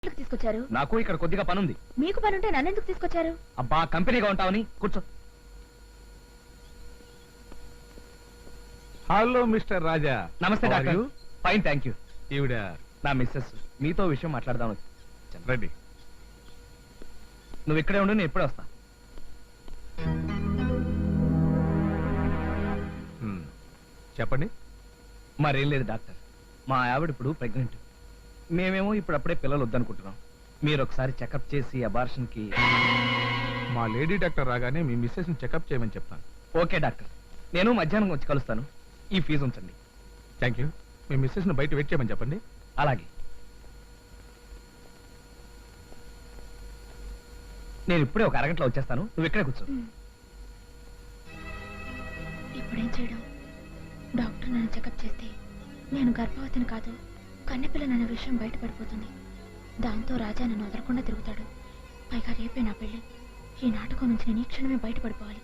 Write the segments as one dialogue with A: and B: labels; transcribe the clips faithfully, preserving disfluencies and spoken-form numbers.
A: తీసుకొచ్చారు?
B: నాకు ఇక్కడ కొద్దిగా పనుంది.
A: మీకు పనుంటే నన్నెందుకు తీసుకొచ్చారు?
B: అబ్బా కంపెనీగా ఉంటావని. కూర్చో.
C: Hello mister Raja.
B: నమస్తే డాక్టర్. Fine thank you.
C: ఈవిడ
B: నా మిస్సెస్. మీతో విషయం మాట్లాడదాం.
C: రండి.
B: నువ్వు ఇక్కడే ఉండు, నేను ఎప్పుడే వస్తా.
C: హ్మ్. చెప్పండి.
B: మరేం లేదు డాక్టర్, మా ఆవిడ ఇప్పుడు ప్రెగ్నెంట్. మేమేమో ఇప్పుడు అప్పుడే పిల్లలు వద్దనుకుంటున్నాం. మీరు ఒకసారి చెకప్ చేసి అబార్షన్ కి.
C: మా లేడీ డాక్టర్ రాగానే మీ మిస్సెస్ ని చెకప్ చేయమని చెప్తాను.
B: ఓకే డాక్టర్, నేను మధ్యాహ్నం వచ్చి కలుస్తాను. ఈ ఫీజు ఉంచండి.
C: Thank you. మీ మిస్సెస్ ని బయట వెయిట్ చేయమని చెప్పండి.
B: అలాగే. నేను ఇప్పుడే ఒక అరగంటలో వచ్చేస్తాను, నువ్వు ఇక్కడే కూర్చో.
A: ఇప్పుడేం చేయడం? డాక్టర్ నన్ను చెకప్ చేస్తే నేను గర్భవతిని కాదు, కన్నెపిల్లనన్న విషయం బయటపడిపోతుంది. దాంతో రాజా నన్ను వదలకుండా తిరుగుతాడు. పైగా రేపే నా పెళ్లి. ఈ నాటకం నుంచి నేను ఈ క్షణమే బయటపడిపోవాలి.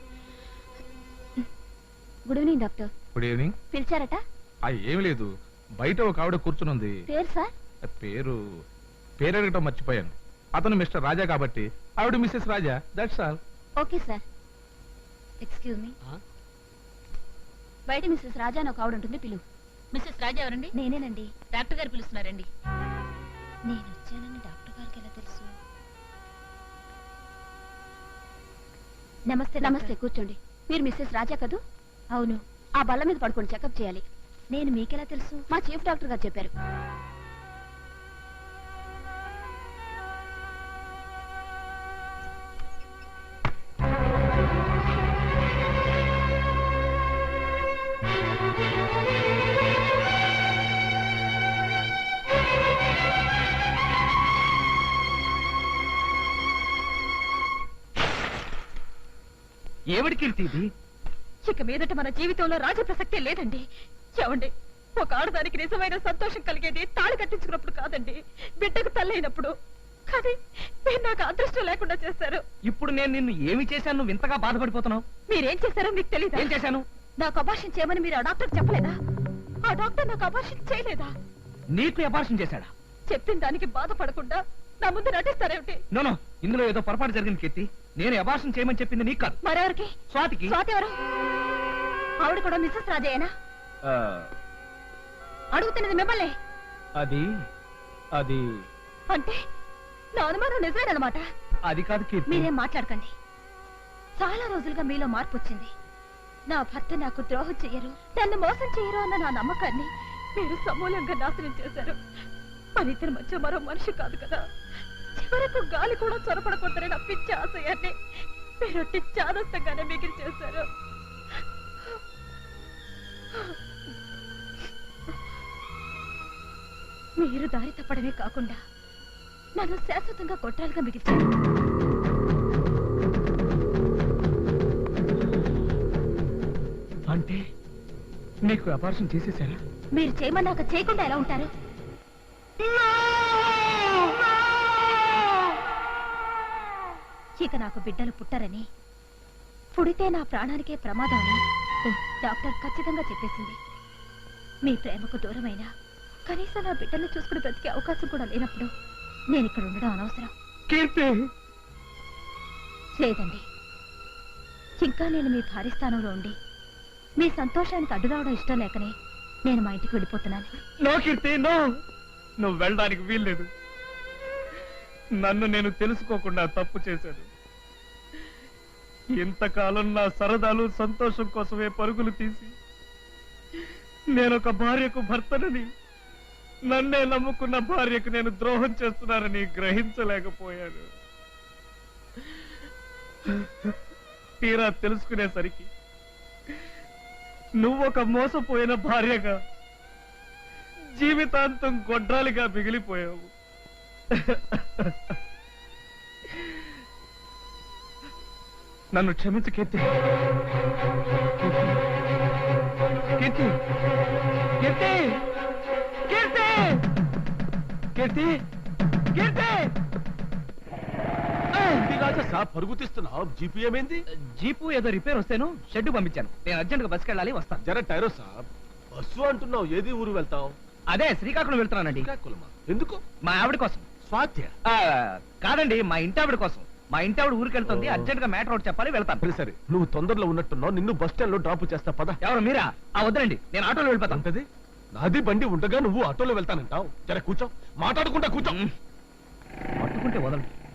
A: Good evening doctor.
C: Good evening.
A: పిలిచారట?
C: ఏమి లేదు, బయట ఒక ఆవిడ కూర్చునుంది.
A: పేరు సార్?
C: పేరు పేరు అడగటం మర్చిపోయాను. అతను మిస్టర్ రాజా కాబట్టి ఆవిడ Mrs Raja. That's all.
A: Okay sir. Excuse me. బయట మిస్సెస్ రాజా అని ఒక ఆవిడ ఉంటుంది, పిలువు.
D: మిస్సెస్ రాజా ఎవరండి?
A: నేనేనండి.
D: డాక్టర్ గారు పిలుస్తున్నారండి.
A: నేను వచ్చానని డాక్టర్ గారికి ఎలా తెలుసు? నమస్తే. నమస్తే, కూర్చోండి. మీరు మిస్సెస్ రాజా కదూ? అవును. ఆ బల్ల మీద పడుకొని చెకప్ చేయాలి. నేను మీకెలా తెలుసు? మా చీఫ్ డాక్టర్ గారు చెప్పారు.
B: ఏమిటి కీర్తి ఇది?
D: ఇక మీదట మన జీవితంలో రాజ ప్రసక్తే లేదండి. ఏమండి, ఒక ఆడదానికి నిజమైన సంతోషం కలిగేది తాళి కట్టించుకున్నప్పుడు కాదండి, బిడ్డకు తల్లైనప్పుడు. కానీ మీరు నాకు అదృష్టం లేకుండా చేశారు.
B: ఇప్పుడు నేను నిన్ను ఏమి చేశాను నువ్వు ఇంతగా బాధపడిపోతున్నావు?
D: మీరేం చేశారో మీకు తెలియదు.
B: ఏం చేశాను?
D: నాకు అబార్షన్ చేయమని మీరు ఆ డాక్టర్ చెప్పలేదా? ఆ డాక్టర్ నాకు అబార్షన్ చేయలేదా?
B: నీకు అబార్షన్ చేశాడా?
D: చెప్పిన దానికి బాధపడకుండా నా ముందు నటిస్తారేమిటి?
B: నోనో, ఇందులో ఏదో పొరపాటు జరిగింది కీర్తి. నేను అబార్షన్ చేయమని చెప్పింది నీకు కాదు,
D: మరెవరికి?
B: స్వాతికి.
D: స్వాతి ఎవరు? ఆవిడ కూడా మిస్సెస్ రాజయ్యనా? అడుగుతున్నది మిమ్మల్ని.
B: అది అది
D: అంటే నా అనుమానం నిజమేనమాట.
B: అది కాదు కీర్తి.
D: మీరేం మాట్లాడకండి. చాలా రోజులుగా మీలో మార్పు వచ్చింది. నా భర్త నాకు ద్రోహం చెయ్యరు, నన్ను మోసం చెయ్యరు అన్న నా నమ్మకాన్ని మీరు సమూలంగా నాశనం చేశారు. మన ఇద్దరి మధ్య మరో మనిషి కాదు కదా. చివరకు గాలి కూడా చొరపడకూడదని నా పిచ్చి ఆశయాన్ని మీరు చాదస్తంగానే మిగిలి చేశారు. మీరు దారి తప్పడమే కాకుండా నన్ను శాశ్వతంగా కొట్టాలుగా మిగిల్చారు.
B: అంటే నీకు అబార్షన్ చేసేసారా?
D: మీరు చేయమన్నాక చేయకుండా ఎలా ఉంటారు? ఇక నాకు బిడ్డలు పుట్టరని, పుడితే నా ప్రాణానికే ప్రమాదం అని డాక్టర్ ఖచ్చితంగా చెప్పేసింది. మీ ప్రేమకు దూరమైనా కనీసం నా బిడ్డలు చూసుకుని బ్రతికే అవకాశం కూడా లేనప్పుడు నేను ఇక్కడ ఉండడం అనవసరం. లేదండి, ఇంకా నేను మీ భారీ స్థానంలో ఉండి మీ సంతోషానికి అడ్డు రావడం ఇష్టం లేకనే నేను మా ఇంటికి వెళ్ళిపోతున్నాను.
B: No Keerthi, no. నువ్వు వెళ్ళడానికి వీల్లేదు. నన్ను నేను తెలుసుకోకుండా తప్పు చేశాను. ఇంతకాలం నా సరదాలు సంతోషం కోసమే పరుగులు తీసి నేనొక భార్యకు భర్తనని, నన్నే నమ్ముకున్న భార్యకు నేను ద్రోహం చేస్తున్నానని గ్రహించలేకపోయాను. తీరా తెలుసుకునేసరికి నువ్వొక మోసపోయిన భార్యగా జీవితాంతం గొడ్రాలిగా మిగిలిపోయావు. నన్ను క్షమించు కీర్తి. కీర్తి కీర్తి కీర్తి కీర్తి కీర్తి
E: పరుగు తీస్తున్నావు. జీపీ ఏమైంది?
B: జీపు ఏదో రిపేర్ వస్తేను షెడ్ పంపించాను. నేను అర్జెంట్ గా బస్కి వెళ్ళాలి, వస్తాను.
E: జర టైరో సాబ్. బస్సు అంటున్నావు, ఏది ఊరు వెళ్తావు?
B: అదే శ్రీకాకుళం వెళ్తున్నానండి.
E: శ్రీకాకుళమా? ఎందుకు?
B: మా ఆవిడ కోసం.
E: స్వాత్య
B: ఆ, కాదండి మా ఇంటి ఆవిడ కోసం మా ఇంటి ఆవిడ ఊరికి వెళ్తుంది
E: ఓ.
B: అర్జెంట్ గా మ్యాటర్ ఒకటి చెప్పాలి వెళ్తాను
E: సరే సరే నువ్వు తొందరలో ఉన్నట్టున్నావు నిన్ను బస్ స్టాండ్ లో డ్రాప్ చేస్తా పద
B: ఎవరు మీరా ఆ వద్దండి నేను ఆటోలో వెళ్ళిపోతాను
E: ఉంటది నాది బండి ఉండగా నువ్వు ఆటోలో వెళ్తానంటావు జర కూర్చో మాట్లాడుకుంటా కూర్చో
B: పట్టుకుంటే వదలండి